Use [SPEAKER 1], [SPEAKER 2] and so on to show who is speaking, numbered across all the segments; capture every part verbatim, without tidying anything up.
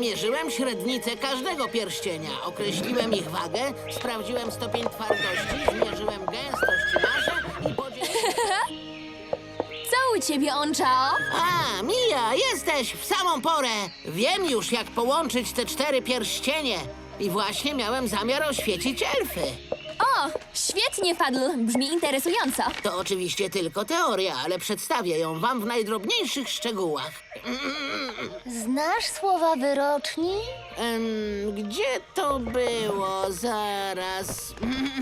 [SPEAKER 1] Zmierzyłem średnicę każdego pierścienia. Określiłem ich wagę, sprawdziłem stopień twardości, zmierzyłem gęstość marza i podzieliłem...
[SPEAKER 2] Co u ciebie, Onchao?
[SPEAKER 1] A, Mija, jesteś w samą porę. Wiem już, jak połączyć te cztery pierścienie. I właśnie miałem zamiar oświecić elfy.
[SPEAKER 2] O, świetnie, Fadl. Brzmi interesująco.
[SPEAKER 1] To oczywiście tylko teoria, ale przedstawię ją wam w najdrobniejszych szczegółach.
[SPEAKER 3] Znasz słowa wyroczni?
[SPEAKER 1] Em, gdzie to było? Zaraz.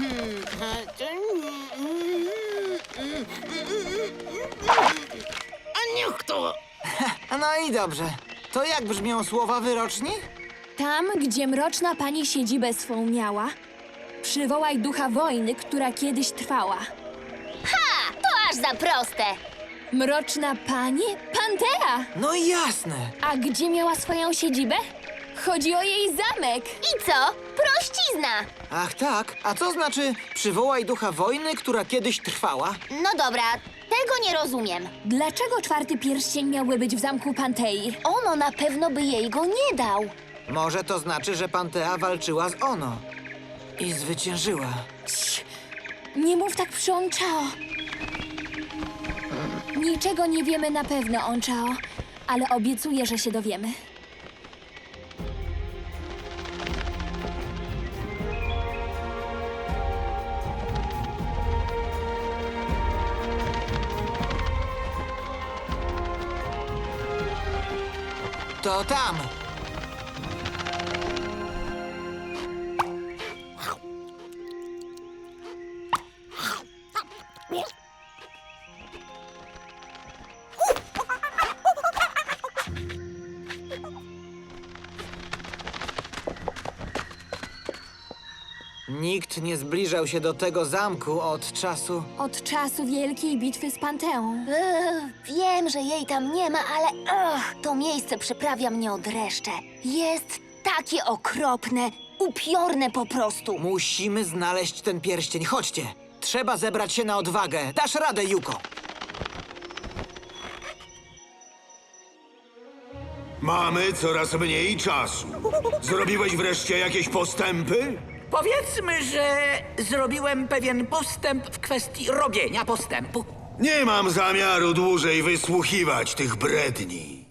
[SPEAKER 1] A niech to...
[SPEAKER 4] No i dobrze. To jak brzmią słowa wyroczni?
[SPEAKER 2] Tam, gdzie mroczna pani siedzibę swą miała, przywołaj ducha wojny, która kiedyś trwała.
[SPEAKER 3] Ha! To aż za proste!
[SPEAKER 2] Mroczna pani? Pantea!
[SPEAKER 4] No jasne.
[SPEAKER 2] A gdzie miała swoją siedzibę? Chodzi o jej zamek.
[SPEAKER 3] I co? Prościzna!
[SPEAKER 4] Ach tak, a co znaczy przywołaj ducha wojny, która kiedyś trwała?
[SPEAKER 3] No dobra, tego nie rozumiem.
[SPEAKER 2] Dlaczego czwarty pierścień miałby być w zamku Pantei?
[SPEAKER 3] Ono na pewno by jej go nie dał.
[SPEAKER 4] Może to znaczy, że Pantea walczyła z Ono i zwyciężyła.
[SPEAKER 2] Cii, nie mów tak przy Onchao. Niczego nie wiemy na pewno, Onchao, ale obiecuję, że się dowiemy.
[SPEAKER 4] To tam. Nikt nie zbliżał się do tego zamku od czasu...
[SPEAKER 2] Od czasu wielkiej bitwy z Panteą.
[SPEAKER 3] Ech, wiem, że jej tam nie ma, ale ach, to miejsce przyprawia mnie o dreszcze. Jest takie okropne, upiorne po prostu.
[SPEAKER 4] Musimy znaleźć ten pierścień. Chodźcie. Trzeba zebrać się na odwagę. Dasz radę, Yuko.
[SPEAKER 5] Mamy coraz mniej czasu. Zrobiłeś wreszcie jakieś postępy?
[SPEAKER 6] Powiedzmy, że zrobiłem pewien postęp w kwestii robienia postępu.
[SPEAKER 5] Nie mam zamiaru dłużej wysłuchiwać tych bredni.